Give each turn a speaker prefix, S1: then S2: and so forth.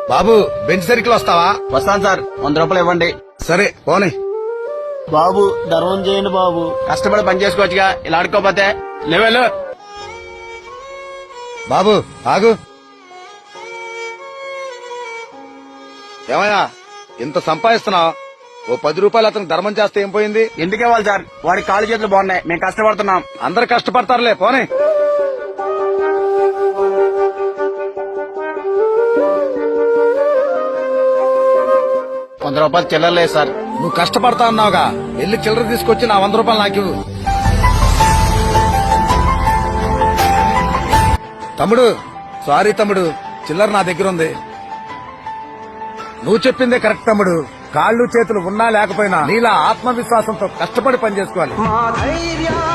S1: బాబు bench circle వస్తావా?
S2: వస్తాను sir, 100 రూపాయలు ఇవ్వండి.
S1: సరే పోనీ.
S3: బాబు ధర్మం చేయండి బాబు.
S2: కష్టపడి పని చేసుకోవచ్చుగా, ఇలా ఆడుకోపోతే. లేవేలు.
S1: బాబు ఆగు. ఏమయ్యా ఇంత సంపాదిస్తున్నావు, ఓ 10 రూపాయలు అతనికి ధర్మం చేస్తే ఏం పోయింది?
S2: ఎందుకు ఇవ్వాలి సార్? వాడి కాళ్ళు చేతులు బాగున్నాయి, మేము కష్టపడుతున్నాం.
S1: అందరు కష్టపడతారులే పోనీ.
S2: రూపాయలు చిల్లర లేదు సార్.
S1: నువ్వు కష్టపడతా అన్నావుగా, వెళ్ళి చిల్లర తీసుకొచ్చి నా 100 రూపాయలు నాకు ఇవ్వు. తమ్ముడు సారీ తమ్ముడు, చిల్లర నా దగ్గర ఉంది. నువ్వు చెప్పిందే కరెక్ట్ తమ్ముడు. కాళ్ళు చేతులు ఉన్నా లేకపోయినా నీలా ఆత్మవిశ్వాసంతో కష్టపడి పని చేసుకోవాలి.